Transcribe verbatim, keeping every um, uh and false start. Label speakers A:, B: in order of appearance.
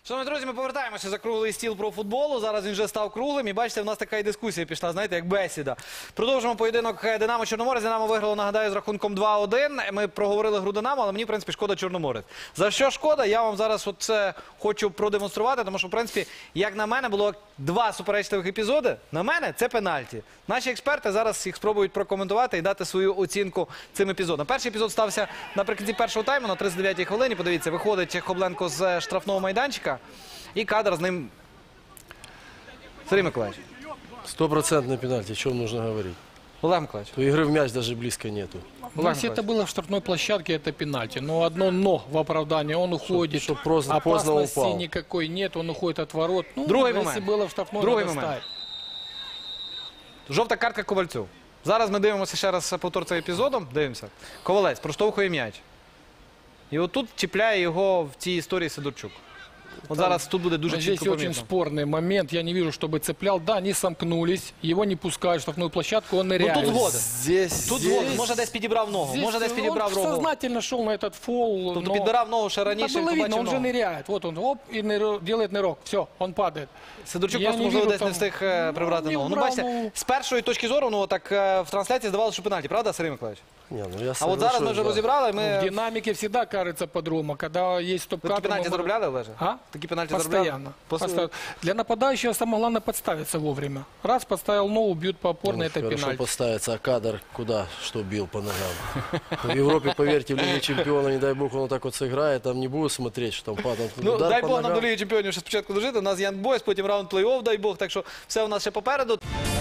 A: Шановні друзі, ми повертаємося за круглий стіл про футболу. Зараз він вже став круглим. І бачите, в нас така і дискусія пішла, знаєте, як бесіда. Продовжимо поєдинок Динамо-Чорноморець. Динамо виграло, нагадаю, з рахунком два один. Ми проговорили гру Динамо, але мені, в принципі, шкода Чорноморець. За що шкода? Я вам зараз це хочу продемонструвати, тому що, в принципі, як на мене, було два суперечливих епізоди. На мене це пенальті. Наші експерти зараз їх спробують прокоментувати і дати свою оцінку цим епізодам. Перший епізод стався наприкінці першого тайму, на тридцять дев'ятій хвилині. Подивіться, виходить Хобленко з штрафного майданчика. И кадр с ним. Сергей Миколаевич.
B: Стопроцентный пенальти, о чем нужно говорить?
A: Олег Миколаевич.
B: То игры в мяч даже близко нету.
C: Ну, если это было в штрафной площадке, это пенальти. Но одно «но» в оправдании. Он уходит.
B: Чтоб просто поздно
C: опасности
B: упал.
C: никакой нет. Он уходит от ворот. Ну,
A: Другой
C: если
A: момент.
C: было в штрафной,
A: Другой
C: надо
A: момент.
C: ставить.
A: Жовта картка Ковальцю. Зараз ми дивимося ще раз повтор цього епізоду. Дивимося. Ковалець проштовхує м'яч. І отут чіпляє його в цій історії Сидорчук. Вот зараз тут будет дуже
C: Здесь
A: чітко
C: очень
A: помітно.
C: спорный момент. Я не вижу, чтобы цеплял. Да, они сомкнулись. Его не пускают в штрафную площадку. Он ныряет.
A: Ну, тут згоден.
B: Здесь,
A: Тут
B: здесь...
A: згоден. Може десь підібрав ногу.
C: Здесь
A: Може десь підібрав
C: он
A: ногу.
C: сознательно шел на этот фол.
A: Тобто
C: но...
A: підбирав ногу ще
C: Ну,
A: раніше,
C: было
A: і
C: видно,
A: побачив
C: он же
A: ногу.
C: ныряет. Вот он, оп, и нырок, делает нырок. Все, он падает.
A: Сидорчук
C: Я
A: просто,
C: не
A: можливо,
C: вірю
A: десь не
C: там.
A: встиг е, прибрати
C: Ну, не
A: ногу. Ну,
C: вбрав,
A: бачите,
C: ну.
A: з першої точки зору, ну, так е, в трансляції здавалося, що пенальті. Правда, Сергій Миколаївич?
B: Не, ну я
A: А от зараз ми вже
B: соглашусь, да.
A: розібрали,
C: В
A: ми...
C: динамике всегда кажется по-другому. Когда есть
A: Ви
C: стоп-кадр...
A: такі пенальті
C: мы-
A: заробляли, Олеже?
C: А?
A: Такі пенальті заробляли?
C: Постоянно.
A: После-
C: Постоянно. Для нападающего самое главное подставиться вовремя. Раз подставил ногу, бьют по опорной,
B: Ну,
C: это
B: хорошо
C: пенальти.
B: поставится, а кадр куда, что бил по ногам? В Европе, поверьте, в Лиге Чемпионов, не дай бог, он вот так вот сыграет, там не будут смотреть, что там падал.
A: Ну,
B: Удар
A: дай
B: по
A: Бог нам
B: ногам.
A: до Ліги Чемпіонів ще спочатку дожити. У нас Янг Бойс, потім раунд плей-офф, дай Бог. Так що все у нас ще попереду.